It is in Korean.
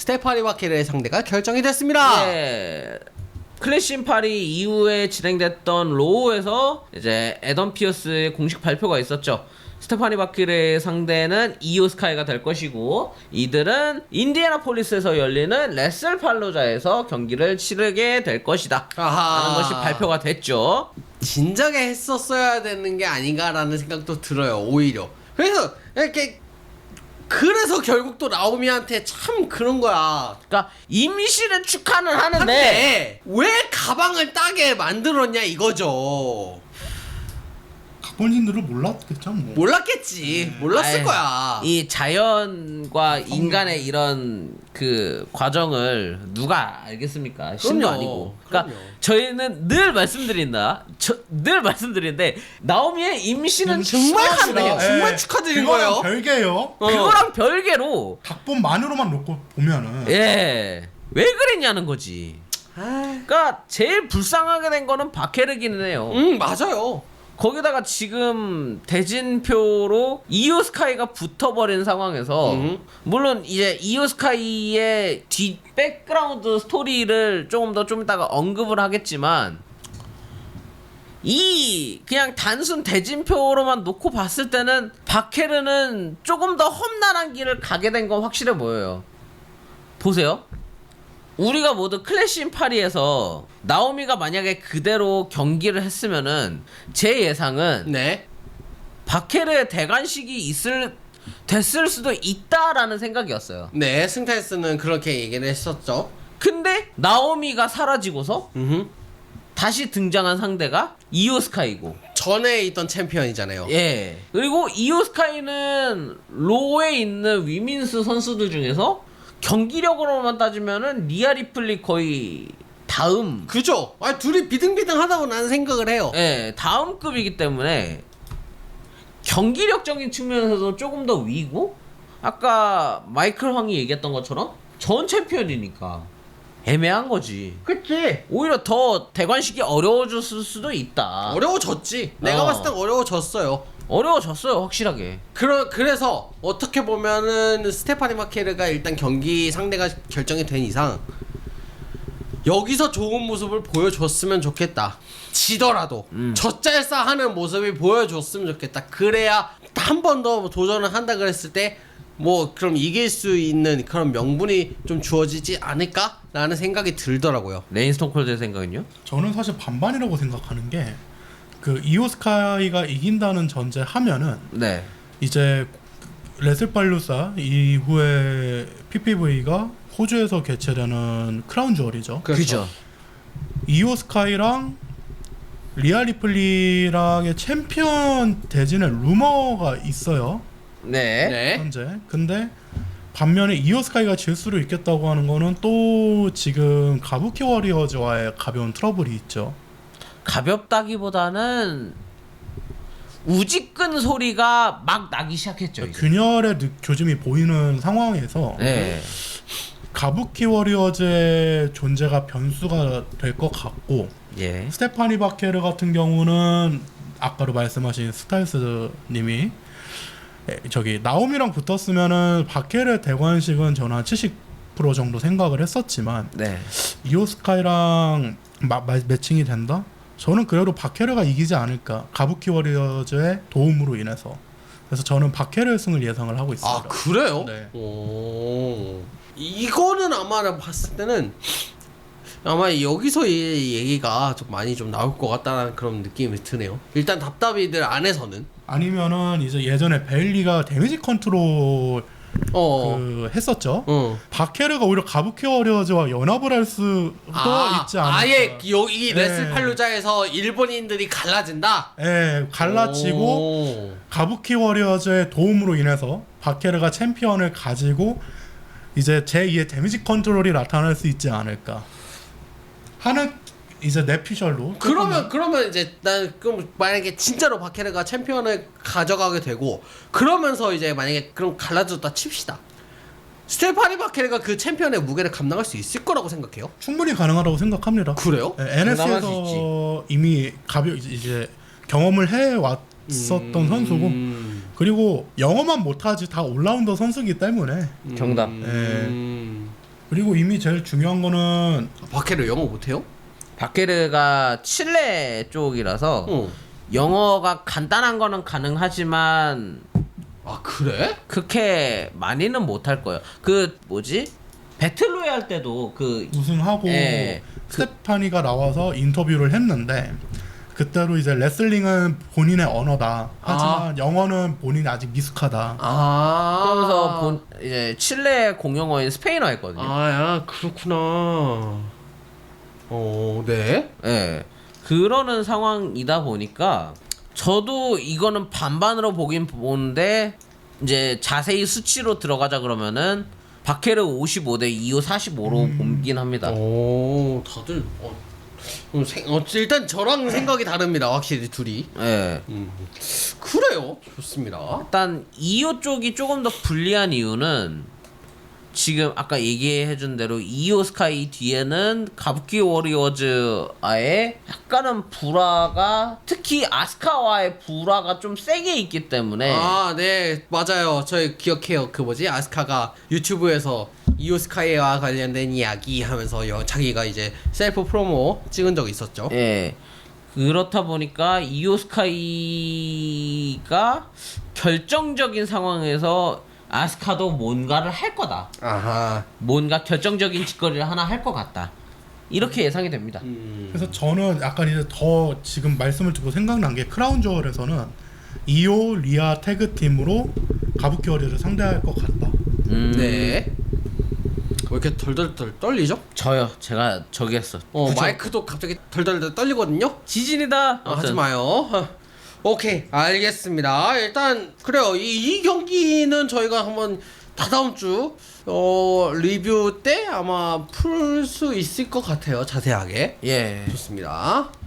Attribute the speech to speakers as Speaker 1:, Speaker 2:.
Speaker 1: 스테파니 바케르의 상대가 결정이 됐습니다.
Speaker 2: 네. 클래시 파리 이후에 진행됐던 로우에서 이제 에던 피어스의 공식 발표가 있었죠. 스테파니 바키르의 상대는 이오 스카이가 될 것이고 이들은 인디애나폴리스에서 열리는 레슬 팔로자에서 경기를 치르게 될 것이다 라는 것이 발표가 됐죠.
Speaker 1: 진작에 했었어야 되는 게 아닌가라는 생각도 들어요. 오히려 그래서 결국 또 나오미한테 참 그런 거야.
Speaker 2: 그러니까 임시는 축하는 하는데
Speaker 1: 한데 왜 가방을 따게 만들었냐 이거죠.
Speaker 3: 각본인들은 몰랐겠죠 뭐.
Speaker 1: 몰랐겠지. 몰랐을
Speaker 2: 아유,
Speaker 1: 거야.
Speaker 2: 이 자연과 인간의 이런 그 과정을 누가 알겠습니까? 신도
Speaker 1: 그럼요.
Speaker 2: 아니고. 그러니까
Speaker 1: 그럼요.
Speaker 2: 저희는 늘 말씀드리는데 나오미의 임신은
Speaker 1: 정말
Speaker 2: 축하드려요.
Speaker 1: 정말 축하드린 거예요.
Speaker 3: 별개요.
Speaker 2: 그거랑 별개로
Speaker 3: 각본만으로만 놓고 보면은
Speaker 2: 왜 그랬냐는 거지. 그러니까 제일 불쌍하게 된 거는 바케르기는 해요.
Speaker 1: 맞아요.
Speaker 2: 거기다가 지금 대진표로 이오 스카이가 붙어버린 상황에서 물론 이제 이오 스카이의 뒤 백그라운드 스토리를 좀 이따가 언급을 하겠지만 이 그냥 단순 대진표로만 놓고 봤을 때는 바케르는 조금 더 험난한 길을 가게 된 건 확실해 보여요. 보세요. 우리가 모두 클래시 인 파리에서 나오미가 만약에 그대로 경기를 했으면은 제 예상은
Speaker 1: 네.
Speaker 2: 바케르의 대관식이 됐을 수도 있다라는 생각이었어요.
Speaker 1: 네, 승타이스는 그렇게 얘기를 했었죠.
Speaker 2: 근데 나오미가 사라지고서 다시 등장한 상대가 이오 스카이고
Speaker 1: 전에 있던 챔피언이잖아요.
Speaker 2: 예. 그리고 이오 스카이는 로에 있는 위민스 선수들 중에서 경기력으로만 따지면은 리아 리플리 거의 다음.
Speaker 1: 그죠? 둘이 비등비등하다고 나는 생각을 해요.
Speaker 2: 예, 다음 급이기 때문에 경기력적인 측면에서도 조금 더 위고 아까 마이클 황이 얘기했던 것처럼 전 챔피언이니까 애매한 거지.
Speaker 1: 그치?
Speaker 2: 오히려 더 대관식이 어려워졌을 수도 있다.
Speaker 1: 어려워졌지. 내가 봤을 땐 어려워졌어요.
Speaker 2: 어려워졌어요, 확실하게.
Speaker 1: 그래서 어떻게 보면은 스테파니 마케르가 일단 경기 상대가 결정이 된 이상 여기서 좋은 모습을 보여줬으면 좋겠다. 지더라도 젖잘싸하는 모습을 보여줬으면 좋겠다. 그래야 한 번 더 도전을 한다 그랬을 때 뭐 그럼 이길 수 있는 그런 명분이 좀 주어지지 않을까라는 생각이 들더라고요.
Speaker 2: 레인 스톤콜드의 생각은요?
Speaker 3: 저는 사실 반반이라고 생각하는 게 그 이오 스카이가 이긴다는 전제하면은
Speaker 2: 네.
Speaker 3: 이제 레슬팔루사 이후에 PPV가 호주에서 개최되는 크라운 주얼이죠.
Speaker 2: 그죠.
Speaker 3: 이오 스카이랑 리아 리플리랑의 챔피언 대진의 루머가 있어요.
Speaker 2: 네.
Speaker 1: 네.
Speaker 3: 현재. 근데 반면에 이오 스카이가 질 수도 있겠다고 하는 거는 또 지금 가부키 워리어즈와의 가벼운 트러블이 있죠.
Speaker 2: 가볍다기보다는 우직근 소리가 막 나기 시작했죠. 이제.
Speaker 3: 균열의 교짐이 보이는 상황에서
Speaker 2: 네.
Speaker 3: 가부키 워리어즈의 존재가 변수가 될 것 같고
Speaker 2: 예.
Speaker 3: 스테파니 바케르 같은 경우는 아까도 말씀하신 스타일스 님이 저기 나오미랑 붙었으면은 바케르 대관식은 저는 한 70% 정도 생각을 했었지만
Speaker 2: 네.
Speaker 3: 이오 스카이랑 매칭이 된다? 저는 그래도 바케르가 이기지 않을까. 가부키 워리어즈의 도움으로 인해서. 그래서 저는 바케르 승을 예상을 하고 있습니다.
Speaker 1: 아 그래요?
Speaker 3: 네.
Speaker 1: 오. 이거는 아마 내가 봤을 때는 아마 여기서 이 얘기가 좀 많이 좀 나올 것 같다는 그런 느낌이 드네요. 일단 답답이들 안에서는
Speaker 3: 아니면은 이제 예전에 베일리가 데미지 컨트롤 그 했었죠. 바케르가 오히려 가부키 워리어즈와 연합을 할 수도 있지 않을까.
Speaker 1: 아예 여기
Speaker 3: 네.
Speaker 1: 레슬팔루자에서 일본인들이 갈라진다.
Speaker 3: 예, 갈라치고 가부키 워리어즈의 도움으로 인해서 바케르가 챔피언을 가지고 이제 제2의 데미지 컨트롤이 나타날 수 있지 않을까 하는 이제 내피셜로.
Speaker 1: 그러면 이제 난 그럼 만약에 진짜로 바케르가 챔피언을 가져가게 되고 그러면서 이제 만약에 그럼 갈라졌다 칩시다. 스테파니 바케르가 그 챔피언의 무게를 감당할 수 있을 거라고 생각해요?
Speaker 3: 충분히 가능하다고 생각합니다.
Speaker 1: 그래요?
Speaker 3: NS에서 이미 이제 경험을 해 왔었던 선수고 그리고 영어만 못하지 다 올라운더 선수이기 때문에
Speaker 2: 정답.
Speaker 3: 그리고 이미 제일 중요한 거는
Speaker 1: 바케르 영어 못해요?
Speaker 2: 바케르가 칠레 쪽이라서 영어가 간단한 거는 가능하지만
Speaker 1: 아 그래?
Speaker 2: 그렇게 많이는 못할 거예요. 그 뭐지? 배틀로얄 때도 그
Speaker 3: 우승하고
Speaker 2: 예,
Speaker 3: 스테파니가 나와서 인터뷰를 했는데 그때로 이제 레슬링은 본인의 언어다. 하지만 영어는 본인이 아직 미숙하다.
Speaker 1: 아
Speaker 2: 그러면서 이제 칠레 공용어인 스페인어 했거든요.
Speaker 1: 아야 그렇구나. 네.
Speaker 2: 예. 그러는 상황이다 보니까 저도 이거는 반반으로 보긴 보는데 이제 자세히 수치로 들어가자 그러면은 바케르 55대 이오 45로 보긴 합니다.
Speaker 1: 오 다들 일단 저랑 생각이 다릅니다. 확실히 둘이.
Speaker 2: 예.
Speaker 1: 그래요. 좋습니다.
Speaker 2: 일단 이오 쪽이 조금 더 불리한 이유는 지금 아까 얘기해준 대로 이오 스카이 뒤에는 가부키 워리어즈와의 약간은 불화가 특히 아스카와의 불화가 좀 세게 있기 때문에
Speaker 1: 아, 네, 맞아요. 저희 기억해요. 그 뭐지? 아스카가 유튜브에서 이오스카이와 관련된 이야기 하면서 자기가 이제 셀프 프로모 찍은 적이 있었죠.
Speaker 2: 예. 그렇다 보니까 이오 스카이가 결정적인 상황에서 아스카도 뭔가를 할 거다.
Speaker 1: 아하.
Speaker 2: 뭔가 결정적인 짓거리를 하나 할 것 같다. 이렇게 예상이 됩니다.
Speaker 3: 그래서 저는 약간 이제 더 지금 말씀을 듣고 생각난 게 크라운 저울에서는 이오 리아 태그 팀으로 가부키 워리어를 상대할 것 같다.
Speaker 1: 네. 왜 이렇게 덜덜덜 떨리죠?
Speaker 2: 저요. 제가 저기 했어. 그쵸?
Speaker 1: 마이크도 갑자기 덜덜덜 떨리거든요?
Speaker 2: 지진이다.
Speaker 1: 하지 마요. 오케이, 알겠습니다. 일단 그래요. 이 경기는 저희가 한번 다다음 주 리뷰 때 아마 풀 수 있을 것 같아요. 자세하게.
Speaker 2: 예.
Speaker 1: 좋습니다.